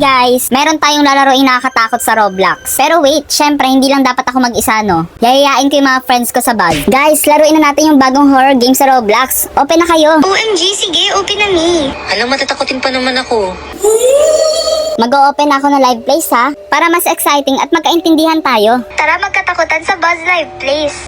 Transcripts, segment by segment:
guys! Meron tayong lalaroin nakakatakot sa Roblox. Pero wait, syempre hindi lang dapat ako mag-isa, no? Yayayain ko yung mga friends ko sa bag. Guys, laruin na natin yung bagong horror game sa Roblox. Open na kayo! OMG, sige, open na ni. Alam, matatakotin pa naman ako. Mag-o-open ako ng live place ha, para mas exciting at magkaintindihan tayo. Tara magkatakutan sa Buzz Live, please.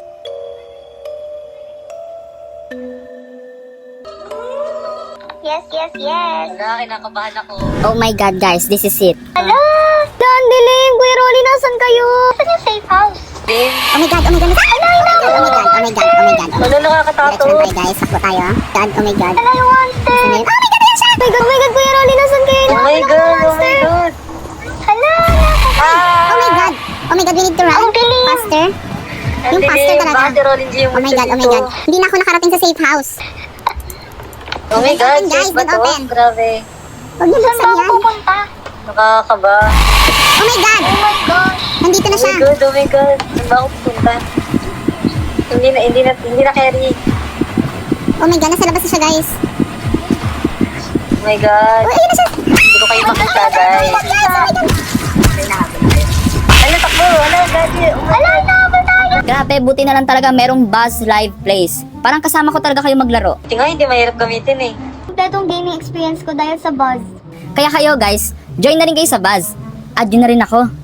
Yes. Wala, kinakabahan ako. Oh my god guys, this is it. Hello? Dandiling! Kuya Rolly, nasan kayo? Saan yung safe house? Din. Oh my god, oh my god! Oh my god, oh my god, oh my god. Wala, nakakatakot. Let's run tayo guys, sakbo tayo ha. God, oh my god. Hello, yung monster. Oh my god, yan siya! Oh my god, Kuya Rolly, nasan kayo? Oh my god. Hello? Oh my god! Oh my god, we need to run. Ang bilis. Faster. Yung faster talaga. Bakit Rolling G yung Oh my god, oh my god. Hindi na ako nakarating sa safe house. Oh my god, Open, guys, safe ba don't to? open. Grabe. Huwag niyo Saan ba buksan ako yan. pupunta? Nakakaba. Oh my god! Oh my gosh. Nandito na Oh siya. my god, oh my god. Saan ba ako pupunta? Hindi na carry. Oh my god, nasa labas na siya guys. Oh my god. Oh, ayun na siya. Hindi ko kayo makita, guys. Ano, takbo? Ano, gagi? Oh my god. Grabe, buti na lang talaga merong Buzz Live Place. Parang kasama ko talaga kayo maglaro. Ito nga, hindi mahirap gamitin eh. Kompletong gaming experience ko dahil sa Buzz. Kaya kayo guys, join na rin kayo sa Buzz. Add nyo na rin ako.